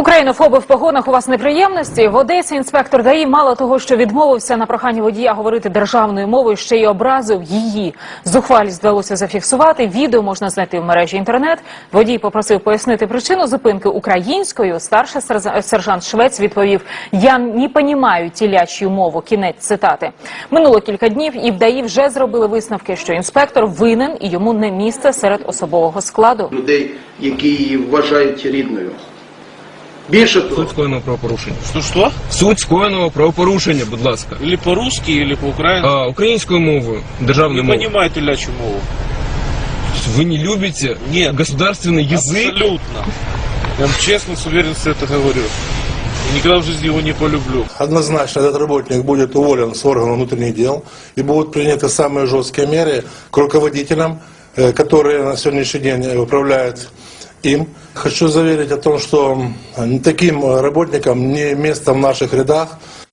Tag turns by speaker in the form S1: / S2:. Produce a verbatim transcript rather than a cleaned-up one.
S1: Українофоби в погонах, у вас неприємності? В Одесі інспектор ДАІ мало того, що відмовився на прохання водія говорити державною мовою, ще й образив її. Зухвалість вдалося зафіксувати. Відео можна знайти в мережі інтернет. Водій попросив пояснити причину зупинки українською. Старший сержант Швець відповів: «Я не понімаю телячью мову». Кінець цитати. Минуло кілька днів, і в ДАІ вже зробили висновки, що інспектор винен і йому не місце серед особового складу.
S2: Людей, які її вважають рідною. Більше того.
S3: Суть скоєного правопорушення.
S4: Що-що?
S3: Суть скоєного правопорушення, будь ласка.
S4: Или по-русски, или по-украински?
S3: А, українською мовою, державною
S4: Не
S3: мовою.
S4: понимаете телячью мову?
S3: Вы не любите
S4: Нет.
S3: государственный язык?
S4: Абсолютно. Я вам честно, с уверенностью это говорю. И никогда в жизни его не полюблю.
S5: Однозначно этот работник будет уволен с органов внутренних дел и будут приняты самые жесткие меры к руководителям, которые на сегодняшний день управляют им. Хочу заверить о том, что таким работникам не место в наших рядах.